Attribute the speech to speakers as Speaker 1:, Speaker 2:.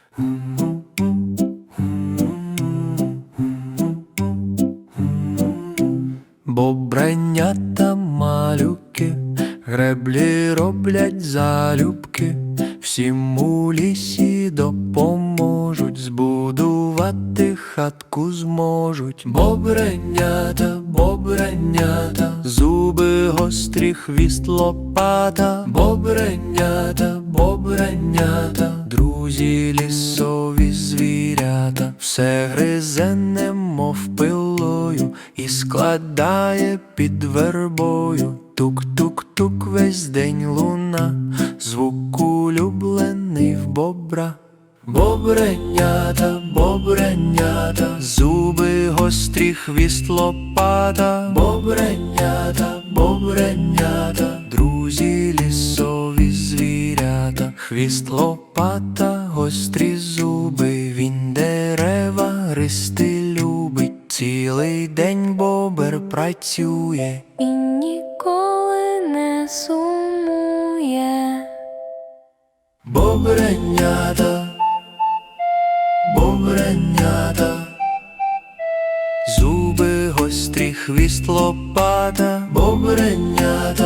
Speaker 1: Бобренята малюки, греблі роблять залюбки, всім у лісі допоможуть, збудувати хатку зможуть. Бобренята, бобренята, зуби гострі, хвіст лопата. Бобренята, бобренята, друзі лісові звірята, все гризе немов пилою і складає під вербою. Тук-тук-тук весь день луна, звук улюблений в бобра. Бобренята, бобренята, зуби гострі, хвіст лопата. Бобренята, бобренята, друзі лісові звірята, хвіст лопата, гострі зуби, він дерева гристи любить. Цілий день бобер працює
Speaker 2: і ніколи не сумує.
Speaker 1: Бобренята, бобренята, зуби гострі, хвіст лопата. Бобренята,